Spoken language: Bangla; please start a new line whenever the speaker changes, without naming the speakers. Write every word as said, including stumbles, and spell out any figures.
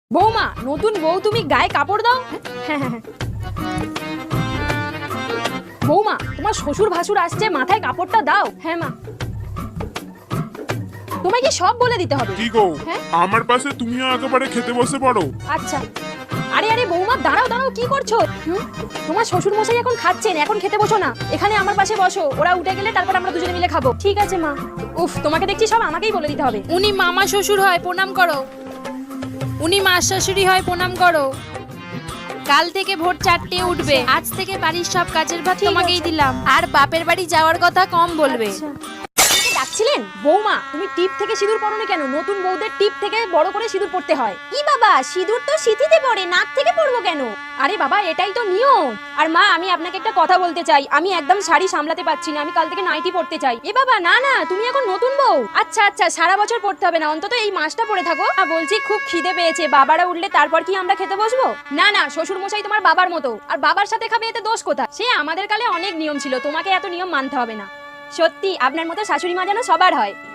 বৌমা, নতুন বউ তুমি গায়ে কাপড় দাও। হ্যাঁ হ্যাঁ বৌমা, তোমার শ্বশুর ভাসুর আসছে, মাথায় কাপড়টা দাও। হ্যাঁ মা। তোমায় কি সব বলে দিতে হবে?
কি গো,
হ্যাঁ?
আমার পাশে তুমিও একেবারে খেতে বসে পড়ো।
আচ্ছা। আরে আরে বৌমা, দাঁড়াও দাঁড়াও, কি করছো? হুম? তোমার শ্বশুর মশাই এখন খাচ্ছেন, এখন খেতে বসো না, এখানে আমার পাশে বসো। ওরা উঠে গেলে তারপর আমরা দুজনে মিলে খাবো। ঠিক আছে মা। উফ, তোমাকে দেখছি সব আমাকেই বলে দিতে হবে।
উনি মামা শ্বশুর হয়, প্রণাম করো। উনি মা শাশুড়ি হয়, প্রণাম করো। কাল থেকে ভোর চারটে উঠবে। আজ থেকে বাড়ির সব কাজের ভাত তোমাকেই দিলাম, আর বাপের বাড়ি যাওয়ার কথা কম বলবে।
আচ্ছা। আমাকে ডাকছিলেন? বৌমা, তুমি টিপ থেকে সিঁদুর পরোনি কেন? নতুন বউদের টিপ থেকে বড় করে সিঁদুর পড়তে হয়। কি বাবা, সিঁদুর তো সিঁথিতে পড়ে, নাক থেকে পড়বো কেন? আরে বাবা, এটাই তো নিয়ম। আর মা, আমি আপনাকে একটা কথা বলতে চাই, আমি একদম শাড়ি সামলাতে পারছি না, আমি কাল থেকে নাইটি পড়তে চাই। এ বাবা, না না, তুমি এখন নতুন বউ। আচ্ছা আচ্ছা, সারা বছর পড়তে হবে না, অন্তত এই মাসটা পড়ে থাকো। না, বলছি খুব খিদে পেয়েছে, বাবারা উঠলে তারপর কি আমরা খেতে বসবো? না না, শ্বশুর মশাই তোমার বাবার মতো, আর বাবার সাথে খাবে, এতে দোষ কোথায়? সে আমাদের কালে অনেক নিয়ম ছিল, তোমাকে এত নিয়ম মানতে হবে না। সত্যি আপনার মতো শাশুড়ি মা যেন সবার হয়।